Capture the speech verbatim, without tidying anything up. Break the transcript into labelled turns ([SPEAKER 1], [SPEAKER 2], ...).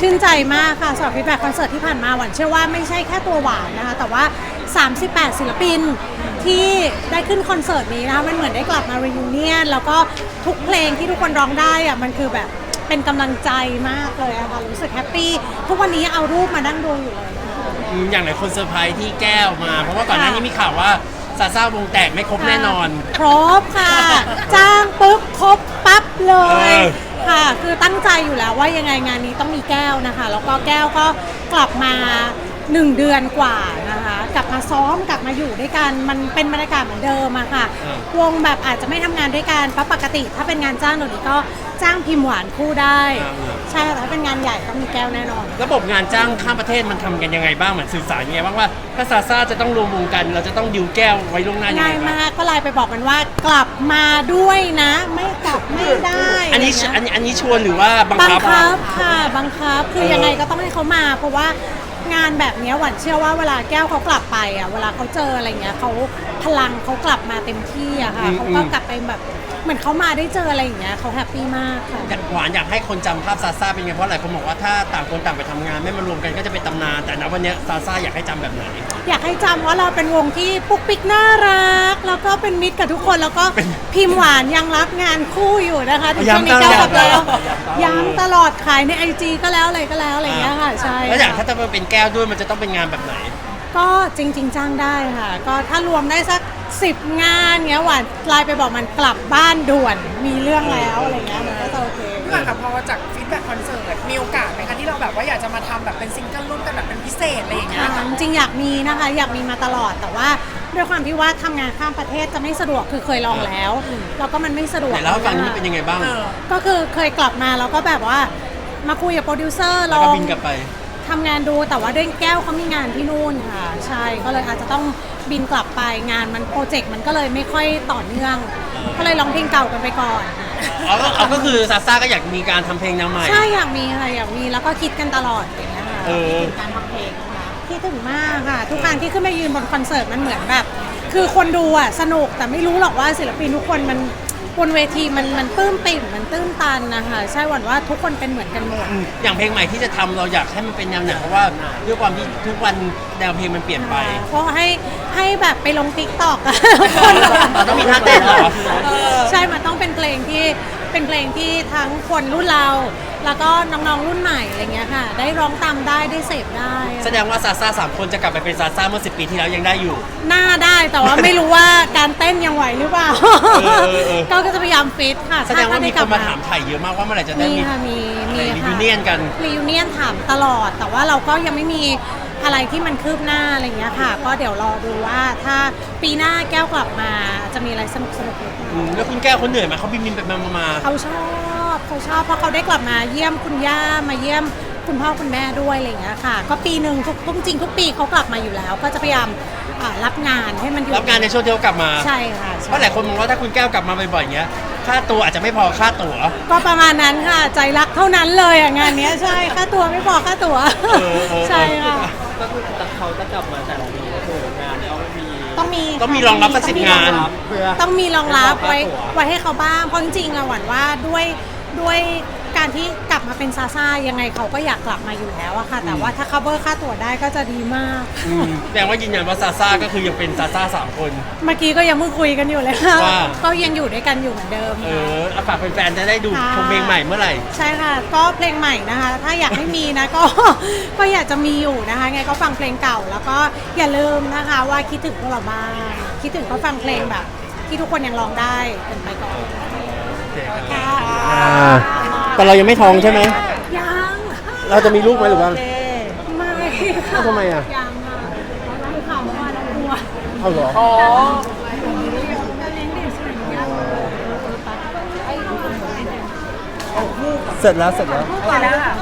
[SPEAKER 1] ชื่นใจมากค่ะสำหรับฟีดแบ็กคอนเสิร์ตที่ผ่านมาหวานเชื่อว่าไม่ใช่แค่ตัวหวานนะคะแต่ว่าสามสิบแปดศิลปินที่ได้ขึ้นคอนเสิร์ตนี้นะคะมันเหมือนได้กลับมา reunion แล้วก็ทุกเพลงที่ทุกคนร้องได้อะมันคือแบบเป็นกำลังใจมากเลยอะค่ะรู้สึกแฮปปี้ทุกวันนี้เอารูปมานั่งดูอยู่เลย
[SPEAKER 2] อืมอย่างไรคนเซอร์ไพรส์ที่แก้วมา เพราะว่าก่อนหน้านี้มีข่าวว่าซาซ่าวงแตกไม่ครบแน่นอน
[SPEAKER 1] ครบค่ะ จ้างปุ๊บครบปั๊บเลย
[SPEAKER 2] เออ
[SPEAKER 1] ค่ะคือตั้งใจอยู่แล้วว่ายังไงงานนี้ต้องมีแก้วนะคะแล้วก็แก้วก็กลับมาหนึ่งเดือนกว่านะคะกลับมาซ้อมกลับมาอยู่ด้วยกันมันเป็นบรรยากาศเหมือนเดิมอะค่ะวงแบบอาจจะไม่ทำงานด้วยกันเพราะปกติถ้าเป็นงานจ้างหนูนี้ก็จ้างพิมพ์หวานคู่ได้ใช่แต่ถ้าเป็นงานใหญ่ต้องมีแก้วแน่นอน
[SPEAKER 2] ระบบงานจ้างข้ามประเทศมันทำกันยังไงบ้างเหมือนสื่อสารยังไงบ้างว่าถ้าซาซ่าจะต้องรวมวงกัน เราจะต้องดิวแก้วไว้ล่วงหน้ายังไง
[SPEAKER 1] ง่าย
[SPEAKER 2] บ้าง
[SPEAKER 1] มากก็ไลน์ไปบอกมันว่ากลับมาด้วยนะ ไม่กลับไม่ได้
[SPEAKER 2] อันนี้
[SPEAKER 1] ะไร
[SPEAKER 2] อัน
[SPEAKER 1] เงี้ย
[SPEAKER 2] นี้อันนี้ชวนหรือว่าบัง
[SPEAKER 1] บัง
[SPEAKER 2] คับ
[SPEAKER 1] คับค่ะบังคับคือ
[SPEAKER 2] เออ
[SPEAKER 1] ยังไงก็ต้องให้เขามาเพราะว่างานแบบเนี้ยหวันเชื่อว่าเวลาแก้วเขากลับไปอ่ะเวลาเขาเจออะไรเงี้ยเขาพลังเขากลับมาเต็มที่อะค่ะเขาก็กลับไปแบบเหมือนเขามาได้เจออะไรอย่างเงี้ยเขาแฮปปี้มากค่ะ
[SPEAKER 2] หวานอยากให้คนจำภาพซาซ่าเป็นไงเพราะหลายคนบอกว่าถ้าต่างคนต่างไปทำงานไม่มารวมกันก็จะเป็นตำนานแต่ณวันเนี้ยซาซ่าอยากให้จำแบบไหน
[SPEAKER 1] อยากให้จำว่าเราเป็นวงที่ปุ๊กปิ๊กน่ารัก แล้วก็เป็นมิตรกับทุกคนแล้วก็พิมพ์หวานยังรับงานคู่อยู่นะคะถึงช่วงนี้
[SPEAKER 2] ย้ำตลอด
[SPEAKER 1] แก้วกับแล้วย้ำตลอดขายในไอจีก็แล้วอะไรก็แล้วอะไรอย่างเงี้ยค่ะใช่
[SPEAKER 2] แล้วอย่างถ้าจะมาเป็นแก้วด้วยมันจะต้องเป็นงานแบบไหน
[SPEAKER 1] ก็จริง ๆ จ้างได้ค่ะ ก็ถ้ารวมได้สักสิบงานเงี้ยหวานไลน์ไปบอกมันกลับบ้านด่วนมีเรื่องแล้วอะไรเงี้ยมันก็จะโอเค
[SPEAKER 3] พี่หวานค่ะพอจากฟีดแบ็กคอนเสิร์ตมีโอกาสไหมคะที่เราแบบว่าอยากจะมาทำแบบเป็นซิงเกิลร่วมกันแบบเป็นพิเศษอะไรอย่างเงี้ย
[SPEAKER 1] ค่ะจริงๆอยากมีนะคะอยากมีมาตลอดแต่ว่าด้วยความที่ว่าทำงานข้ามประเทศจะไม่สะดวกคือเคยลองแล้วแล้วก็มันไม่สะดวก
[SPEAKER 2] แต่แล้วฝั่งนี้เป็นยังไงบ้าง
[SPEAKER 3] เออ
[SPEAKER 1] ก็คือเคยกลับมาแล้วก็แบบว่ามาคุยกับโปรดิวเซอร์ล
[SPEAKER 2] แล้ว
[SPEAKER 1] อ
[SPEAKER 2] ก็
[SPEAKER 1] ง
[SPEAKER 2] บินกลับไป
[SPEAKER 1] ทำงานดูแต่ว่าด้วยแก้วเขามีงานที่นู่นค่ะใช่ก็เลยอาจจะต้องบินกลับไปงานมันโปรเจกต์มันก็เลยไม่ค่อยต่อเนื่อง ก็เลยร้องเพลงเก่ากันไปก่อน
[SPEAKER 2] เอาก็เอาก็คือซาซ่าก็อยากมีการทำเพลงแนวใหม่
[SPEAKER 1] ใช่อยากมีค่ะอยากมีแล้วก็คิดกันตลอดอย่างเงี้ยค่ะ
[SPEAKER 2] เออ
[SPEAKER 1] การทำเพลงนะคะคิดถึงมากค่ะ ทุกครั้งที่ขึ้นมายืนบนคอนเสิร์ตมันเหมือนแบบ คือคนดูอ่ะสนุกแต่ไม่รู้หรอกว่าศิลปินทุกคนมันบนเวทีมันมันปลื้มปิ่มมันตื้นตันนะคะใช่หวันว่าทุกคนเป็นเหมือนกันหมด
[SPEAKER 2] อย่างเพลงใหม่ที่จะทำเราอยากให้มันเป็นแนวไหนเพราะว่าด้วยความที่ทุกวันแนวเพลงมันเปลี่ยนไป
[SPEAKER 1] เพราะให้ให้แบบไปลงติ๊กต็อกอะ
[SPEAKER 2] เราต้องมีท่าเต้นเหรอ
[SPEAKER 1] ใช่ มันต้องเป็นเพลงที่เป็นเพลงที่ทั้งคนรุ่นเรา แล้วก็น้องๆรุ่นใหม่อะไรเงี้ยค่ะ ได้ร้องตามได้ได้เสพได้
[SPEAKER 2] แสดงว่าซาซ่าสามคนจะกลับไปเป็นซาซ่าเมื่อสิบปีที่แล้วยังได้อยู่
[SPEAKER 1] หน้าได้แต่ว่าไม่รู้ว่าการเต้นยังไหวหรือเปล่า
[SPEAKER 2] เออเออเออ
[SPEAKER 1] ก็จะพยายามฟิตค่ะ
[SPEAKER 2] แสดงว่ามี
[SPEAKER 1] ถ้
[SPEAKER 2] คนมาถามถ่ายเยอะมากว่าเมื่อไหร่จะได้
[SPEAKER 1] มี
[SPEAKER 2] มี
[SPEAKER 1] ค่ะมีมี
[SPEAKER 2] รี
[SPEAKER 1] ค่ะ
[SPEAKER 2] วิเนียนกัน
[SPEAKER 1] รีวิเนียนถามตลอด แต่ว่าเราก็ยังไม่มีอะไรที่มันคืบหน้าอะไรเงี้ยค่ะ ก็เดี๋ยวรอดูว่าถ้าปีหน้าแก้วกลับมาจะมีอะไรสนุกสนุกหรือเปล่า
[SPEAKER 2] อืมแล้วคุณแก้วเขาเหนื่อยไหมเขาบินบินไปมามามา
[SPEAKER 1] เขาชอบเขาชอบเพราะเขาได้กลับมาเยี่ยมคุณย่ามาเยี่ยมคุณพ่อคุณแม่ด้วยอะไรอย่างเงี้ยค่ะ ก็ปีหนึ่งทุกทุกจริงทุกปีเขากลับมาอยู่แล้ว ก็จะพยายามอ่ารับงานให้มันอยู่
[SPEAKER 2] รับงานในช่วงที่เขากลับมา
[SPEAKER 1] ใช่ค่ะ
[SPEAKER 2] เพราะหลายคนมองว่าถ้าคุณแก้วกลับมาบ่อยๆอย่างเงี้ยค่าตัวอาจจะไม่พอค่าตั๋ว
[SPEAKER 1] ก็ประมาณนั้นค่ะ ใจรักเท่านั้นเลยอ่ะงานเนี้ยใช่ค่าตัวไม่พอค่าตัว
[SPEAKER 2] เออเออ
[SPEAKER 1] ใช่ค่ะ
[SPEAKER 4] ก็คือเขาจะกลับมาแต่ละปีก็คืองานต้องมี
[SPEAKER 1] ต้องมี
[SPEAKER 2] ต้องมีรองรับสักสิบงาน
[SPEAKER 4] เพื่อ
[SPEAKER 1] ต้องมีรองรับไว้
[SPEAKER 4] ให้เขาค่าตั๋ว
[SPEAKER 1] ไว้ให้เขาบ้างเพราะจริงๆอะหวั่นว่าด้วยด้วยการที่กลับมาเป็นซาซ่ายังไงเขาก็อยากกลับมาอยู่แล้วอะค่ะ แต่ว่าถ้า cover ค่าตั๋วได้ก็จะดีมาก
[SPEAKER 2] อืมแสดงว่ายืนยันว่าซาซ่าก็คือยังเป็นซาซ่าสามคน
[SPEAKER 1] เมื่อกี้ก็ยังเพิ่งคุยกันอยู่เลยค่ะ
[SPEAKER 2] ว่า
[SPEAKER 1] ก็ยังอยู่ด้วยกันอยู่เหมือนเดิม
[SPEAKER 2] เอ
[SPEAKER 1] ค่ะ
[SPEAKER 2] อเอาฝากแฟนๆจะได้ดู
[SPEAKER 1] ค่ะ
[SPEAKER 2] ชมเพลงใหม่เมื่อไหร่
[SPEAKER 1] ใช่ค่ะ ก็เพลงใหม่นะคะ ถ้าอยากให้มีนะ ก็ ก็อยากจะมีอยู่นะคะไงก็ฟังเพลงเก่า แล้วก็อย่าลืมนะคะว่าคิดถึงพวกเราบ้างคิดถึงก็ฟังเพลงแบบ ที่ทุกคนยังร้องได้เป็นไปก่อนค่ะ
[SPEAKER 2] แต่เรายังไม่ท้องใช่ไหม
[SPEAKER 1] ยัง
[SPEAKER 2] เราจะมีลูกไหมหรือว่า
[SPEAKER 1] ไม่ค่ะ
[SPEAKER 2] ทำไมอ่ะ
[SPEAKER 1] ยังอ่ะเราดูข่าวเมื่อวานเรากลัว
[SPEAKER 2] เอาเหรอ
[SPEAKER 3] อ๋อ
[SPEAKER 1] เลี้ยงเด็กอะไรอย่างเงี้ย
[SPEAKER 2] เสร็จแล้วเสร็จแล้ว
[SPEAKER 3] ไปแล้วค่ะ